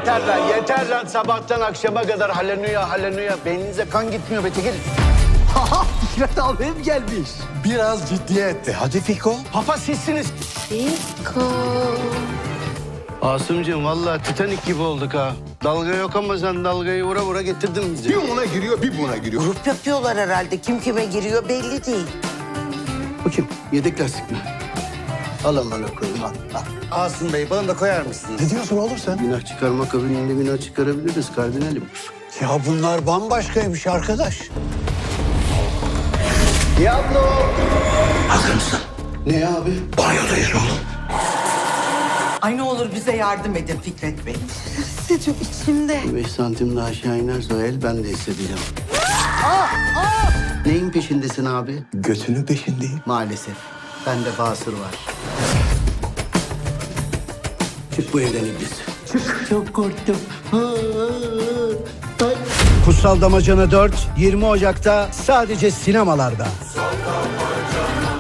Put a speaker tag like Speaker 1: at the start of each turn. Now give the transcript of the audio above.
Speaker 1: yeter lan sabahtan akşama kadar haleluya. Beyninize kan gitmiyor be çekil.
Speaker 2: Fikret abim gelmiş.
Speaker 3: Biraz ciddiyetti. Hadi Fiko.
Speaker 1: Papa sizsiniz.
Speaker 4: Fiko.
Speaker 1: Asımcığım vallahi Titanik gibi olduk ha. Dalga yok ama sen dalgayı vura vura getirdin bizi.
Speaker 3: Bir ona giriyor, bir buna giriyor.
Speaker 5: Grup yapıyorlar herhalde. Kim kime giriyor belli değil.
Speaker 1: Bu kim? Yedek lastik mi? Al amına koyayım al. Asım Bey bana da koyar mısınız?
Speaker 3: Ne diyorsun oğlum sen?
Speaker 1: Günah çıkarma kabininde günah çıkarabiliriz kardinalim.
Speaker 2: Ya bunlar bambaşkaymış arkadaş.
Speaker 1: Diablo!
Speaker 2: Hazır mısın?
Speaker 1: Ne abi?
Speaker 2: Banyodayız oğlum.
Speaker 5: Ay ne olur bize yardım edin Fikret Bey.
Speaker 4: Hissediyorum içimde.
Speaker 1: 5 santim daha aşağı inerse o el ben de hissedeceğim. Neyin peşindesin abi?
Speaker 3: Götünün peşindeyim.
Speaker 1: Maalesef. Bende basır var. Çık bu evden iblis. Çık. Çok korktum. Kutsal Damacana 4, 20 Ocak'ta sadece sinemalarda.